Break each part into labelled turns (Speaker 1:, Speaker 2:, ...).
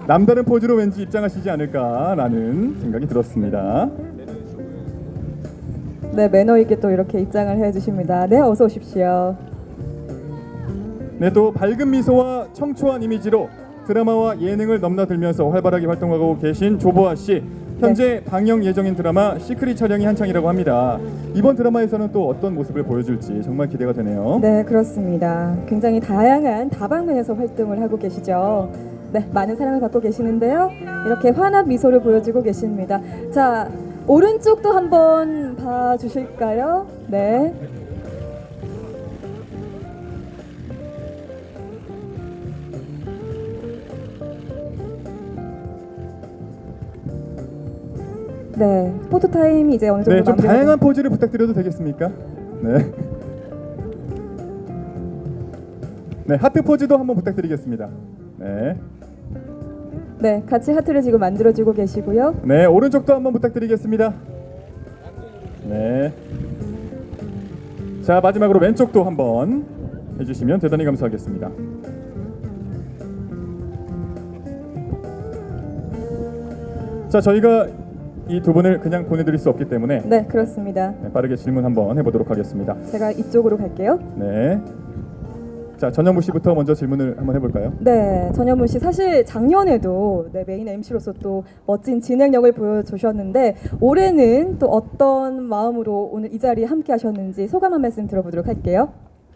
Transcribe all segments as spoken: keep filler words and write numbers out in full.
Speaker 1: 남다른 포즈로 왠지 입장하시지 않을까라는 생각이 들었습니다.
Speaker 2: 네, 매너 있게 또 이렇게 입장을 해주십니다. 네, 어서 오십시오.
Speaker 1: 네, 또 밝은 미소와 청초한 이미지로 드라마와 예능을 넘나들면서 활발하게 활동하고 계신 조보아 씨. 현재 네. 방영 예정인 드라마 시크릿 촬영이 한창이라고 합니다. 이번 드라마에서는 또 어떤 모습을 보여줄지 정말 기대가 되네요.
Speaker 2: 네, 그렇습니다. 굉장히 다양한 다방면에서 활동을 하고 계시죠. 네, 많은 사랑을 받고 계시는데요. 이렇게 환한 미소를 보여주고 계십니다. 자, 오른쪽도 한번 봐주실까요? 네. 네, 포토 타임이 이제 어느 정도
Speaker 1: 네, 좀
Speaker 2: 마무리가
Speaker 1: 다양한
Speaker 2: 된-
Speaker 1: 포즈를 부탁드려도 되겠습니까? 네. 네, 하트 포즈도 한번 부탁드리겠습니다. 네.
Speaker 2: 네, 같이 하트를 지금 만들어주고 계시고요.
Speaker 1: 네, 오른쪽도 한번 부탁드리겠습니다. 네. 자, 마지막으로 왼쪽도 한번 해주시면 대단히 감사하겠습니다. 자, 저희가 이 두 분을 그냥 보내드릴 수 없기 때문에
Speaker 2: 네, 그렇습니다.
Speaker 1: 네, 빠르게 질문 한번 해보도록 하겠습니다.
Speaker 2: 제가 이쪽으로 갈게요.
Speaker 1: 네. 자, 전현무 씨부터 먼저 질문을 한번 해볼까요?
Speaker 2: 네, 전현무 씨 사실 작년에도 네, 메인 엠씨로서 또 멋진 진행력을 보여주셨는데 올해는 또 어떤 마음으로 오늘 이 자리에 함께 하셨는지 소감 한 말씀 들어보도록 할게요.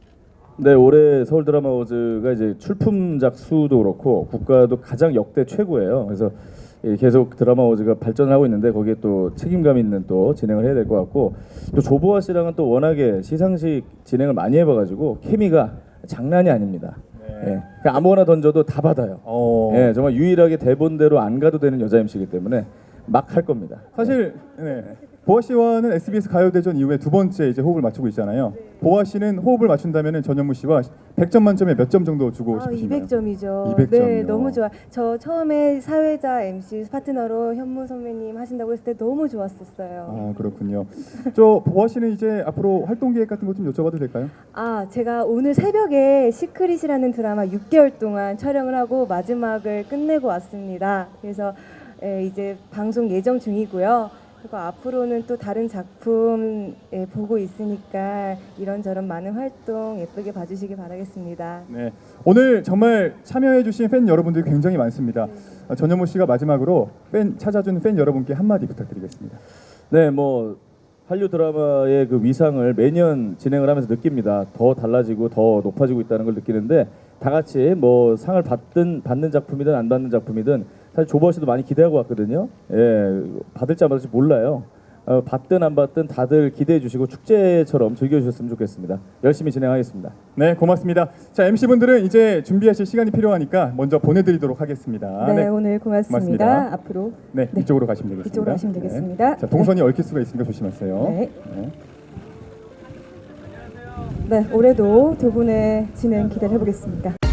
Speaker 3: 네, 올해 서울 드라마 어워즈가 이제 출품작 수도 그렇고 국가도 가장 역대 최고예요. 그래서 예, 계속 드라마 어워즈가 발전을 하고 있는데 거기에 또 책임감 있는 또 진행을 해야 될 것 같고 또 조보아 씨랑은 또 워낙에 시상식 진행을 많이 해봐가지고 케미가 장난이 아닙니다.
Speaker 1: 네.
Speaker 3: 예, 그냥 아무거나 던져도 다 받아요.
Speaker 1: 어,
Speaker 3: 예, 정말 유일하게 대본대로 안 가도 되는 여자 엠씨이기 때문에 막 할 겁니다.
Speaker 1: 사실 네. 보아 씨와는 에스비에스 가요대전 이후에 두 번째 이제 호흡을 맞추고 있잖아요. 보아 씨는 호흡을 맞춘다면 전현무 씨와 백 점 만점에 몇 점 정도 주고
Speaker 4: 아,
Speaker 1: 싶으신가요?
Speaker 4: 이백 점이죠.
Speaker 1: 이백 점이요.
Speaker 4: 네, 너무 좋아. 저 처음에 사회자 엠씨 파트너로 현무 선배님 하신다고 했을 때 너무 좋았었어요.
Speaker 1: 아, 그렇군요. 저 보아 씨는 이제 앞으로 활동 계획 같은 거 좀 여쭤봐도 될까요?
Speaker 4: 아, 제가 오늘 새벽에 시크릿이라는 드라마 육 개월 동안 촬영을 하고 마지막을 끝내고 왔습니다. 그래서 예, 이제 방송 예정 중이고요. 그리고 앞으로는 또 다른 작품 예, 보고 있으니까 이런저런 많은 활동 예쁘게 봐주시기 바라겠습니다.
Speaker 1: 네. 오늘 정말 참여해주신 팬 여러분들이 굉장히 많습니다. 아, 전현무 씨가 마지막으로 팬 찾아준 팬 여러분께 한마디 부탁드리겠습니다.
Speaker 3: 네, 뭐 한류 드라마의 그 위상을 매년 진행을 하면서 느낍니다. 더 달라지고 더 높아지고 있다는 걸 느끼는데 다 같이 뭐 상을 받든 받는 작품이든 안 받는 작품이든 사실 조보아 씨도 많이 기대하고 왔거든요. 예, 받을지 안 받을지 몰라요. 어, 받든 안 받든 다들 기대해 주시고 축제처럼 즐겨주셨으면 좋겠습니다. 열심히 진행하겠습니다.
Speaker 1: 네, 고맙습니다. 자, 엠씨분들은 이제 준비하실 시간이 필요하니까 먼저 보내드리도록 하겠습니다.
Speaker 2: 네, 오늘 고맙습니다.
Speaker 1: 고맙습니다.
Speaker 2: 앞으로
Speaker 1: 네,
Speaker 2: 네.
Speaker 1: 이쪽으로 가시면 되겠습니다.
Speaker 2: 이쪽으로 가시면 되겠습니다.
Speaker 1: 네. 자, 동선이 얽힐 수가 있으니까 조심하세요.
Speaker 2: 네.
Speaker 1: 네.
Speaker 2: 네, 올해도 두 분의 진행 기대해 보겠습니다.